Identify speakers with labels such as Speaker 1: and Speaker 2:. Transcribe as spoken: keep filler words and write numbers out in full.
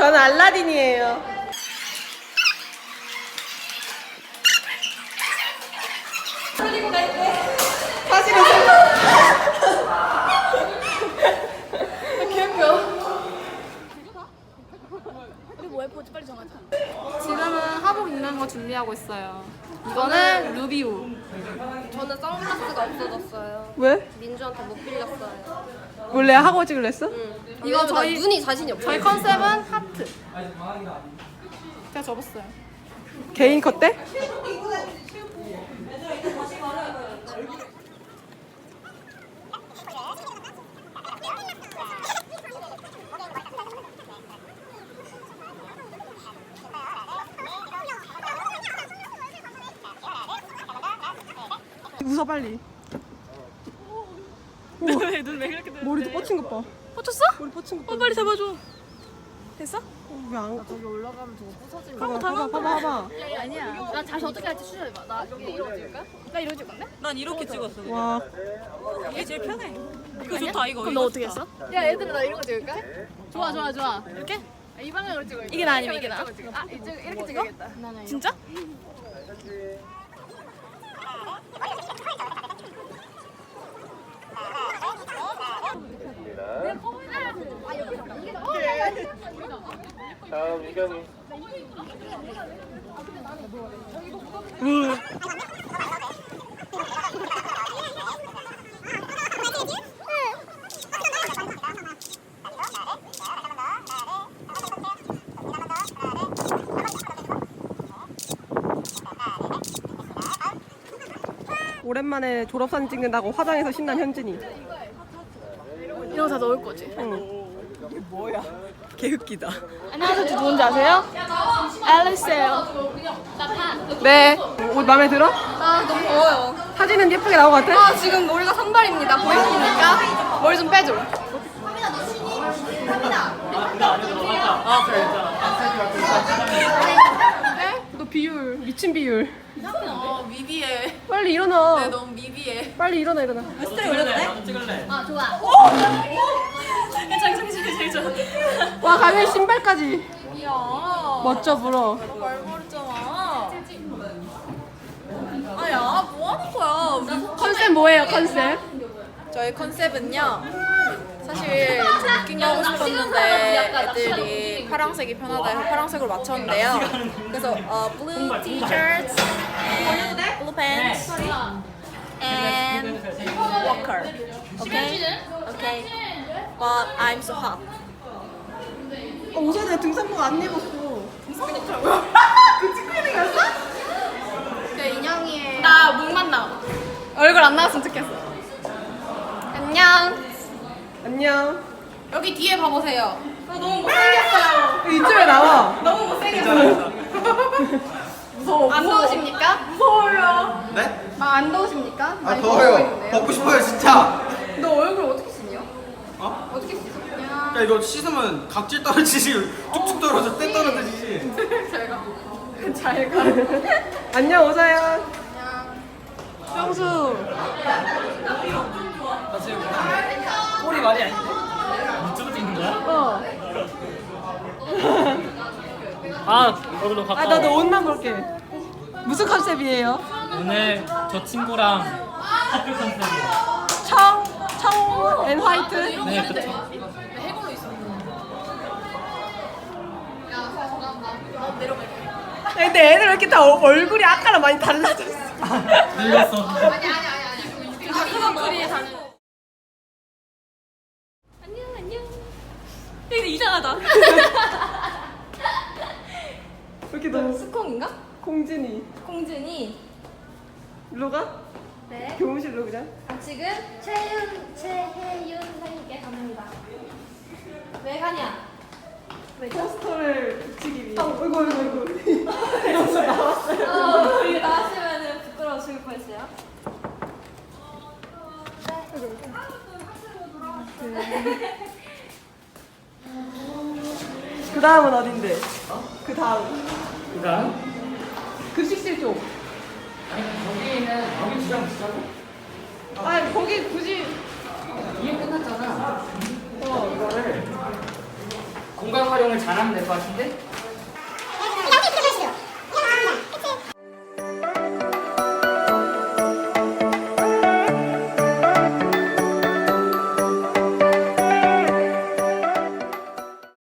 Speaker 1: 저는 알라딘이에요. 사실은
Speaker 2: 지금은 하복 입는 거 준비하고 있어요. 이거는 루비우.
Speaker 3: 저는 선글라스가 없어졌어요.
Speaker 1: 왜?
Speaker 3: 민주한테 못 빌렸어요.
Speaker 1: 원래 하고 찍을래 했어?
Speaker 2: 이거 저희
Speaker 3: 눈이 자신이 없어요.
Speaker 2: 저희 컨셉은 하트. 제가 접었어요.
Speaker 1: 개인 컷 때? 웃어 빨리.
Speaker 2: 눈왜 그렇게 돼?
Speaker 1: 머리도 뻗친 것 봐.
Speaker 2: 뻗쳤어?
Speaker 1: 머리 뻗친 것 봐.
Speaker 2: 어, 빨리 잡아줘. 됐어?
Speaker 1: 어, 왜 안?
Speaker 3: 저기 올라가면 저거 부서지면.
Speaker 1: 봐봐 봐봐 봐봐 봐봐.
Speaker 3: 아니야. 난 다시 어떻게 할지 추천해봐. 나 이러고 찍을까? 나 이러고 찍을래?
Speaker 2: 난 이렇게 찍었어.
Speaker 1: 와
Speaker 2: 이게 제일 편해. 이거 좋다 이거.
Speaker 3: 그럼 너 어떻게 했어? 야 얘들아 나 이러고 찍을까? 좋아 좋아 좋아. 이렇게? 아, 이 방향으로 찍어.
Speaker 2: 이게 나 아니면 이게 나?
Speaker 3: 아 이쪽 이렇게 찍어야겠다.
Speaker 2: 진짜?
Speaker 4: 다음 이경이.
Speaker 1: 오랜만에 졸업사진 찍는다고 화장해서 신난 현진이.
Speaker 2: 이런 거 다 넣을 거지.
Speaker 1: 응. 이게 뭐야? 개웃기다.
Speaker 2: 안녕하세요. 저 누군지 아세요? 앨리스예요.
Speaker 1: 네. 옷 마음에 들어?
Speaker 3: 아 너무 더워요.
Speaker 1: 사진은 예쁘게 나온 것 같아?
Speaker 3: 아 지금 머리가 산발입니다. 보이십니까? 머리 좀 빼줘.
Speaker 1: 너 비율 미친 비율.
Speaker 2: 어, 미비해.
Speaker 1: 빨리 일어나.
Speaker 2: 너무 미비해.
Speaker 1: 빨리 일어나 일어나.
Speaker 2: 스타일 올려도
Speaker 4: 찍을래?
Speaker 3: 아 좋아.
Speaker 2: 괜찮아, 괜찮아, 괜찮아.
Speaker 1: 와 가면 신발까지.
Speaker 2: 야,
Speaker 1: 멋져 불어.
Speaker 2: 말버렸잖아. 아, 야, 뭐 하는 거야? 우리
Speaker 1: 컨셉 뭐예요 컨셉?
Speaker 2: 저희 컨셉은요. 사실 좀 웃긴 거 하고 싶었는데 애들이 파란색이 편하다 해서 파란색으로 맞췄는데요. 그래서 어, blue t-shirts, blue pants, and walker. Okay? Okay. But I'm so hot.
Speaker 1: 어, 우선 내가 등산복 안 입었어. 그 친구들이었어?
Speaker 3: 그 인형이에요.
Speaker 2: 나 목만 나와. 얼굴 안 나왔으면 좋겠어. 안녕.
Speaker 1: 안녕.
Speaker 2: 여기 뒤에 봐보세요. 나 너무 못생겼어요.
Speaker 1: 이쯤에 나와.
Speaker 2: 너무 못생겼어요. 무서워. 안 더우십니까? 무서워요.
Speaker 4: 네?
Speaker 3: 아 안 더우십니까?
Speaker 4: 아
Speaker 3: 많이
Speaker 4: 더워요.
Speaker 3: 보이는데요?
Speaker 4: 벗고 싶어요 진짜.
Speaker 3: 너 얼굴 어떻게 씻냐?
Speaker 4: 어?
Speaker 3: 어떻게 씻어?
Speaker 4: 야 이거 씻으면 각질 떨어지지, 쭉쭉 떨어져, 때 떨어지지.
Speaker 3: 잘 가.
Speaker 1: 안녕 오사야.
Speaker 3: 그냥
Speaker 1: 형수.
Speaker 5: 꼬리 말이 아닌데? 이쪽으로 찍는 거야?
Speaker 1: 어.
Speaker 5: 아, 얼굴로 가까워.
Speaker 1: 아 나도 옷만 볼게. 무슨 컨셉이에요?
Speaker 5: 오늘 저 친구랑 학교 컨셉이에요.
Speaker 1: 청, 청, 앤 화이트.
Speaker 5: 네, 그쵸.
Speaker 1: 근데 애들 왜 이렇게 다 어- 얼굴이 아까랑 많이 달라졌어.
Speaker 5: 늙었어.
Speaker 2: 안녕, 안녕. 되게 이상하다.
Speaker 1: 왜 이렇게 너무
Speaker 3: 스콩인가?
Speaker 1: 공진이.
Speaker 3: 공준이.
Speaker 1: 일로 가?
Speaker 3: 네.
Speaker 1: 교무실로 그냥.
Speaker 3: 아, 지금 최윤 최혜윤 선생님께 갑니다. 왜 가냐?
Speaker 1: 포스터를 붙이기 위해. 어이구 어이구 어이구. 나왔어요.
Speaker 3: 어, 이거 나왔으면은 부끄러워 죽을 뻔했어요.
Speaker 1: 그 다음은 어딘데? 그 다음.
Speaker 5: 그다음
Speaker 1: 급식실 쪽.
Speaker 5: 여기는 여기 주장 비싸고
Speaker 1: 아니 거기 굳이.
Speaker 5: 이게 끝났잖아.
Speaker 1: 어.
Speaker 5: 이거를 공간 활용을 잘하면 될 것 같은데?